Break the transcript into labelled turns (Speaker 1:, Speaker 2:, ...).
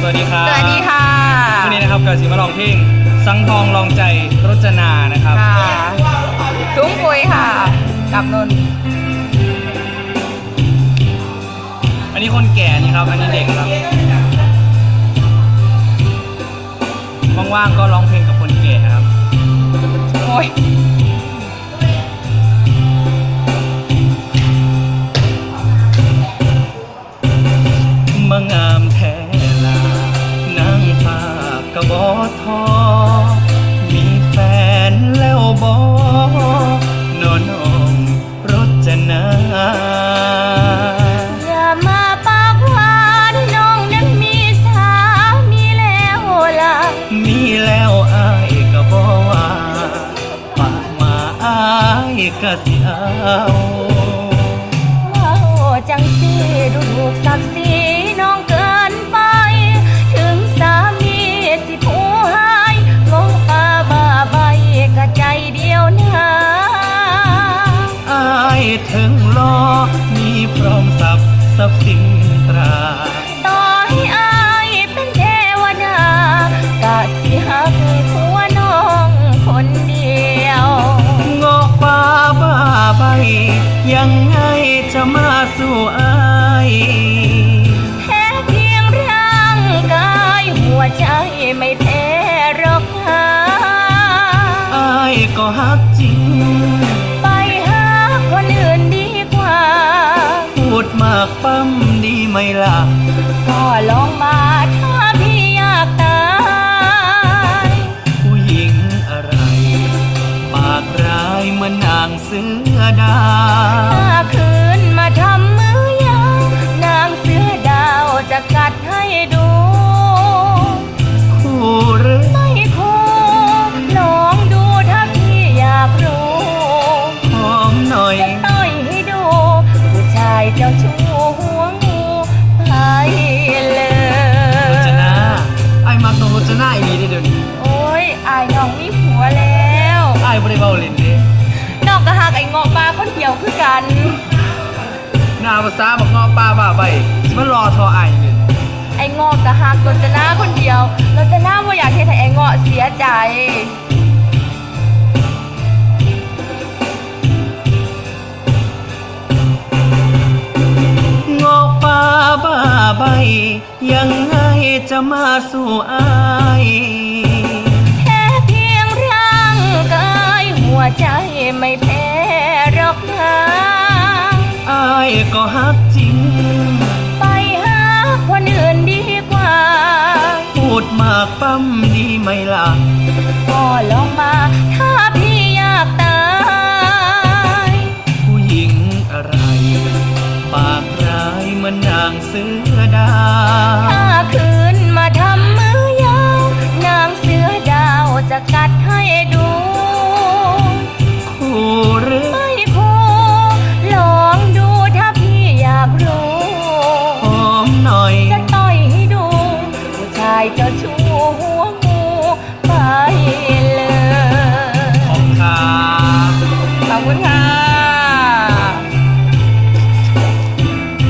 Speaker 1: วัสดีครับ
Speaker 2: สวัสดีค่ะ
Speaker 1: วันนี้นะครับกาสิมาลองเพลงสังทองลองใจรจนานะครับ
Speaker 2: ค่ะทุ่งปุยค่ะกับนนท์
Speaker 1: อันนี้คนแก่นี่ครับอันนี้เด็กครับว่างๆก็ร้องเพลงกับคนแก่ครับ
Speaker 2: โอ้ย
Speaker 1: มางามแท้ลานางฟ้ากระบอทอมีแฟนแล้วบอนอนองรจนา
Speaker 2: อย่ามาปากหวานน้องนั้นมีสามีแล้วล่ะ
Speaker 1: มีแล้วอายก็บอว่าปากมาอายก็สิเอา
Speaker 2: ว้าวจังสิดูถูกศักดิ์ศรีน้องเกินไปถึงสามีสิผู้หายงงปาบ้าใบกะใจเดียวนะ
Speaker 1: อายถึงรอมีพร้อมทรัพย์สินตรา
Speaker 2: ต่อให้อายเป็นเทวดากะสิหักผัวน้องคนเดียว
Speaker 1: งอกป่าบ้าใบยังไงจะมาสู่อาย
Speaker 2: แค่เพียงร่างกายหัวใจไม่แพ้หรอกค่ะ
Speaker 1: อายก็ฮักจริง
Speaker 2: ไปหาคนอื่นดีกว่า
Speaker 1: พูดมากปั้มดีไหมล่ะ
Speaker 2: ก็ลองมาถ้าพี่อยากตาย
Speaker 1: ผู้หญิงอะไรปากร้ายเหมือนนางเสือดาว
Speaker 2: ถ้าคืนมาทำมือยาวนางเสือดาวจะกัดให้ดู
Speaker 1: คู่หรือ
Speaker 2: ไม่คู่ลองดูถ้าพี่อยากรู้
Speaker 1: หอมหน่อย
Speaker 2: จะต่อยให้ดูผู้ชายเจ้าชู้หัวงูไปเลย
Speaker 1: รจนาไอ้มักน้องรจนาอีดีเดี๋ยวนี้
Speaker 2: โอ้ยอายน้องมีผัวแล้ว
Speaker 1: ไอ้บ่ได้เบาเล่นเด้
Speaker 2: น้องก็หักไอ้งอปลาคนเดียวคือกัน
Speaker 1: หน้าภาษาบักเงาะป้าบ้าใบสิมารอทอไอ้เนี่ย
Speaker 2: ไอ้งอกก็หักรจนาคนเดียวรจนาบ่อยากเฮ็ดให้ไอ้งอเสียใจ
Speaker 1: งอกป่าบ้าใบยังไงจะมาสู่อาย
Speaker 2: แค่เพียงร่างกายหัวใจไม่แพ้หรอกนะ
Speaker 1: อายก็ฮักจริง
Speaker 2: ไปหาคนอื่นดีกว่า
Speaker 1: พูดมากปั้มดีไหมล่ะ
Speaker 2: ก็ลองมาถ้าพี่อยากตาย
Speaker 1: ผู้หญิงอะไรปากร้ายเหมือนนางเสือดา
Speaker 2: วถ้าคืนมาทำมือยาวนางเสือดาวจะกัดให้ดู
Speaker 1: คู่หรือ
Speaker 2: ไม่คู่ลองดูถ้าพี่อยากรู้
Speaker 1: หอมหน่อย
Speaker 2: จะต่อยให้ดูผู้ชายเจ้าชู้